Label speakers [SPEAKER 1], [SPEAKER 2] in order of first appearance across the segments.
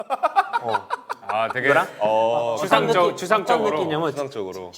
[SPEAKER 1] 아 되게
[SPEAKER 2] 이거랑?
[SPEAKER 1] 추상적으로.
[SPEAKER 2] 느낌이냐면
[SPEAKER 3] 추상적으로.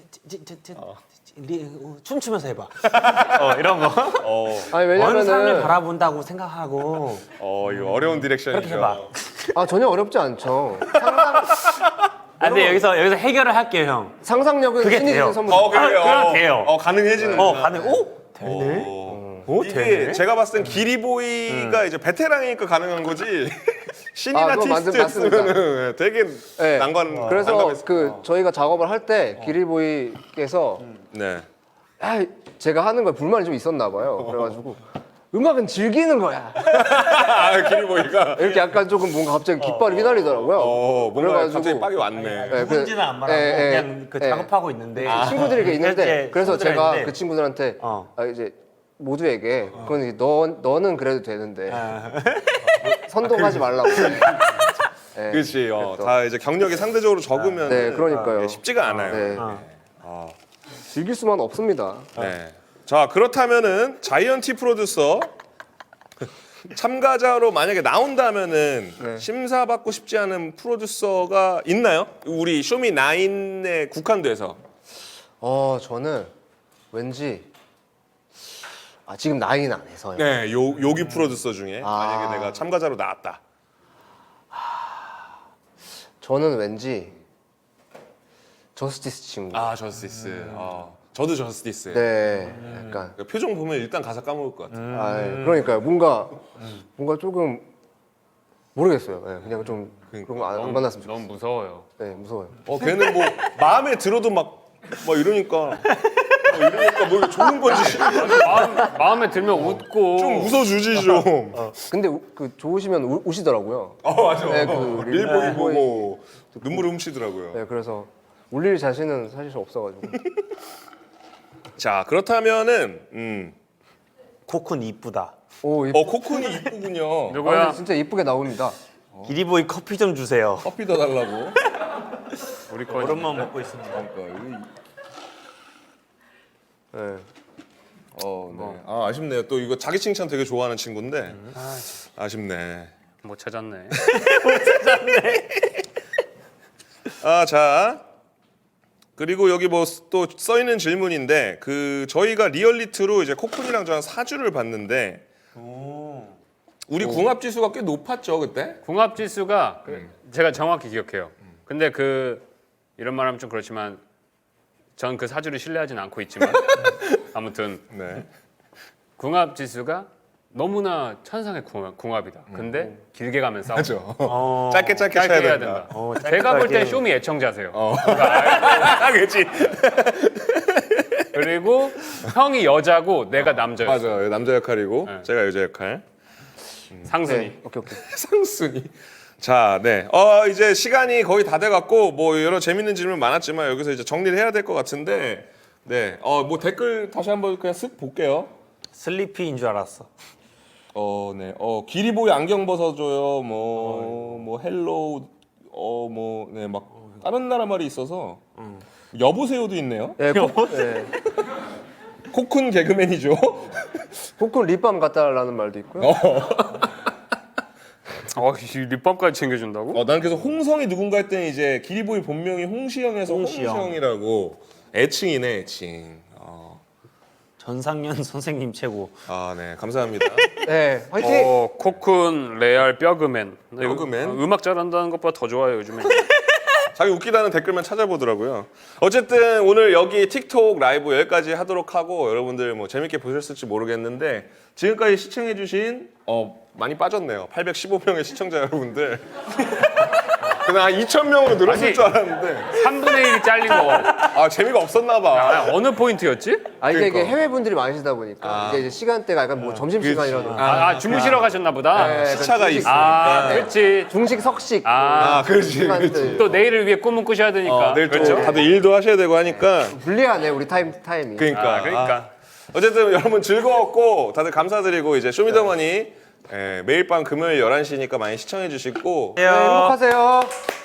[SPEAKER 2] 춤추면서 해봐. 이런 거.
[SPEAKER 4] 아니
[SPEAKER 2] 어느 사람을
[SPEAKER 4] 왜냐면은
[SPEAKER 2] 바라본다고 생각하고
[SPEAKER 3] 이거 어려운
[SPEAKER 2] 그렇게
[SPEAKER 3] 디렉션이죠.
[SPEAKER 2] 해봐.
[SPEAKER 4] 전혀 어렵지 않죠.
[SPEAKER 2] 근데 여기서 해결을 할게요, 형.
[SPEAKER 4] 상상력은
[SPEAKER 2] 그게
[SPEAKER 4] 신이
[SPEAKER 2] 돼요.
[SPEAKER 4] 주는 선물.
[SPEAKER 3] 그래요.
[SPEAKER 2] 그럼 돼요.
[SPEAKER 3] 가능해지는.
[SPEAKER 2] 가능. 오, 되네.
[SPEAKER 3] 이게
[SPEAKER 2] 되네.
[SPEAKER 3] 제가 봤을 땐 기리보이가 이제 베테랑이니까 가능한 거지. 신이나
[SPEAKER 4] 그거
[SPEAKER 3] 티스트였으면 되게
[SPEAKER 4] 네.
[SPEAKER 3] 난관.
[SPEAKER 4] 그래서
[SPEAKER 3] 난감했을
[SPEAKER 4] 저희가 작업을 할 때 기리보이께서
[SPEAKER 3] 네.
[SPEAKER 4] 제가 하는 거에 불만이 좀 있었나 봐요. 그래가지고 음악은 즐기는 거야.
[SPEAKER 3] 기리보이가.
[SPEAKER 4] 이렇게 약간 조금 뭔가 갑자기 깃발이 휘날리더라고요.
[SPEAKER 3] 뭔가
[SPEAKER 4] 그래가지고
[SPEAKER 3] 갑자기 빡이 왔네.
[SPEAKER 4] 네,
[SPEAKER 2] 혼지는 안 말하고 그냥 작업하고 있는데
[SPEAKER 4] 친구들이 이렇게 있는데
[SPEAKER 2] 실제
[SPEAKER 4] 그래서
[SPEAKER 2] 친구들이
[SPEAKER 4] 제가
[SPEAKER 2] 있는데
[SPEAKER 4] 그 친구들한테
[SPEAKER 2] 이제
[SPEAKER 4] 모두에게 그건 이제 너는 그래도 되는데 선동하지 말라고. 네,
[SPEAKER 3] 그렇지.
[SPEAKER 4] 그랬던.
[SPEAKER 3] 다 이제 경력이 상대적으로 적으면
[SPEAKER 4] 네, 그러니까요.
[SPEAKER 3] 쉽지가 않아요.
[SPEAKER 4] 네. 즐길 수만 없습니다.
[SPEAKER 3] 네. 자, 그렇다면은 자이언티 프로듀서 참가자로 만약에 나온다면은
[SPEAKER 4] 네.
[SPEAKER 3] 심사받고 싶지 않은 프로듀서가 있나요? 우리 쇼미9에 국한돼서.
[SPEAKER 4] 저는 왠지 지금 나이는 안 해서요.
[SPEAKER 3] 네, 요기 프로듀서 중에 만약에 내가 참가자로 나왔다.
[SPEAKER 4] 저는 왠지 저스티스 친구.
[SPEAKER 3] 저스티스. 저도 저스티스.
[SPEAKER 4] 네, 약간.
[SPEAKER 3] 표정 보면 일단 가사 까먹을 것 같아.
[SPEAKER 4] 그러니까요. 뭔가 조금 모르겠어요. 네, 그냥 좀 그런 거 안 만났으면 좋겠어요.
[SPEAKER 1] 너무 무서워요.
[SPEAKER 4] 네, 무서워요.
[SPEAKER 3] 걔는 뭐 마음에 들어도 막 이러니까 뭐 이게 좋은 건지 싫은 건지
[SPEAKER 1] 마음에 들면 웃고
[SPEAKER 3] 좀 웃어주지 좀.
[SPEAKER 4] 근데 좋으시면 우시더라고요.
[SPEAKER 3] 맞아.
[SPEAKER 4] 네,
[SPEAKER 3] 밀보이 보고 눈물 훔치더라고요.
[SPEAKER 4] 네, 그래서 울릴 자신은 사실 없어가지고.
[SPEAKER 3] 자, 그렇다면은
[SPEAKER 2] 코쿤 이쁘다.
[SPEAKER 4] 오,
[SPEAKER 3] 코쿤이 이쁘군요.
[SPEAKER 1] 누구야?
[SPEAKER 4] 진짜 이쁘게 나옵니다.
[SPEAKER 2] 기리보이 커피 좀 주세요.
[SPEAKER 3] 커피 더 달라고.
[SPEAKER 1] 우리 거
[SPEAKER 2] 오랜만 먹고 있습니다.
[SPEAKER 4] 네.
[SPEAKER 3] 네. 아쉽네요. 또 이거 자기 칭찬 되게 좋아하는 친구인데 아쉽네.
[SPEAKER 1] 못 찾았네.
[SPEAKER 3] 자. 그리고 여기 뭐 또 써 있는 질문인데 저희가 리얼리티로 이제 코쿤이랑 저랑 사주를 봤는데 우리 궁합 지수가 꽤 높았죠 그때?
[SPEAKER 1] 궁합 지수가 제가 정확히 기억해요. 근데 이런 말하면 좀 그렇지만 전 그 사주를 신뢰하진 않고 있지만 아무튼
[SPEAKER 3] 네.
[SPEAKER 1] 궁합 지수가 너무나 천상의 궁합이다. 근데 길게 가면 싸워.
[SPEAKER 3] 맞아. 짧게
[SPEAKER 1] 짧게
[SPEAKER 3] 쳐야
[SPEAKER 1] 해야
[SPEAKER 3] 된다.
[SPEAKER 1] 된다. 제가 볼 땐 쇼미 애청자세요.
[SPEAKER 3] 그렇지.
[SPEAKER 1] 그리고 형이 여자고 내가 남자였어.
[SPEAKER 3] 맞아. 남자 역할이고
[SPEAKER 1] 네.
[SPEAKER 3] 제가 여자 역할.
[SPEAKER 1] 상순이.
[SPEAKER 4] 네, 오케이.
[SPEAKER 3] 상순이. 자, 네. 이제 시간이 거의 다 돼갖고 뭐 여러 재밌는 질문 많았지만 여기서 이제 정리를 해야 될 것 같은데, 네. 뭐 댓글 다시 한번 그냥 쓱 볼게요.
[SPEAKER 2] 슬리피인 줄 알았어.
[SPEAKER 3] 네. 기리보이 안경 벗어줘요. 뭐 헬로우. 네. 막 다른 나라 말이 있어서. 여보세요도 있네요.
[SPEAKER 4] 네,
[SPEAKER 2] 뭐?
[SPEAKER 3] 코쿤 개그맨이죠.
[SPEAKER 4] 코쿤 립밤 갖다 달라는 말도 있고요.
[SPEAKER 1] 이 립밤까지 챙겨준다고?
[SPEAKER 3] 난 그래서 홍성이 누군가 했더니 이제 기리보이 본명이 홍시영에서
[SPEAKER 2] 홍시영.
[SPEAKER 3] 홍시영이라고 애칭이네 애칭.
[SPEAKER 2] 전상현 선생님 최고.
[SPEAKER 3] 네. 감사합니다.
[SPEAKER 4] 네, 화이팅!
[SPEAKER 1] 코쿤 레알 뼈그맨.
[SPEAKER 3] 뼈그맨?
[SPEAKER 1] 음악 잘한다는 것보다 더 좋아요 요즘에.
[SPEAKER 3] 자기 웃기다는 댓글만 찾아보더라고요. 어쨌든 오늘 여기 틱톡 라이브 여기까지 하도록 하고 여러분들 뭐 재밌게 보셨을지 모르겠는데 지금까지 시청해주신 많이 빠졌네요. 815명의 시청자 여러분들. 그냥 2,000명으로 늘었을
[SPEAKER 1] 아니,
[SPEAKER 3] 줄 알았는데
[SPEAKER 1] 3분의 1이 잘린 거.
[SPEAKER 3] 재미가 없었나 봐.
[SPEAKER 1] 어느 포인트였지?
[SPEAKER 4] 이게
[SPEAKER 3] 그러니까.
[SPEAKER 4] 해외 분들이 많으시다 보니까 이제 시간대가 약간 뭐 점심 시간이라든가
[SPEAKER 1] 주무시러 가셨나 보다.
[SPEAKER 4] 네,
[SPEAKER 3] 시차가
[SPEAKER 4] 중식,
[SPEAKER 3] 있으니까.
[SPEAKER 1] 그렇지.
[SPEAKER 4] 중식, 석식
[SPEAKER 3] 그렇지.
[SPEAKER 4] 시간들
[SPEAKER 1] 또 내일을 위해 꿈은 꾸셔야 되니까.
[SPEAKER 3] 내일 또
[SPEAKER 1] 그렇죠.
[SPEAKER 3] 다들 일도 하셔야 되고 하니까
[SPEAKER 4] 불리하네 우리 타임이.
[SPEAKER 3] 그러니까. 어쨌든 여러분 즐거웠고 다들 감사드리고 이제 쇼미더머니 매일 밤 금요일 11시니까 많이 시청해 주시고
[SPEAKER 4] 네, 행복하세요.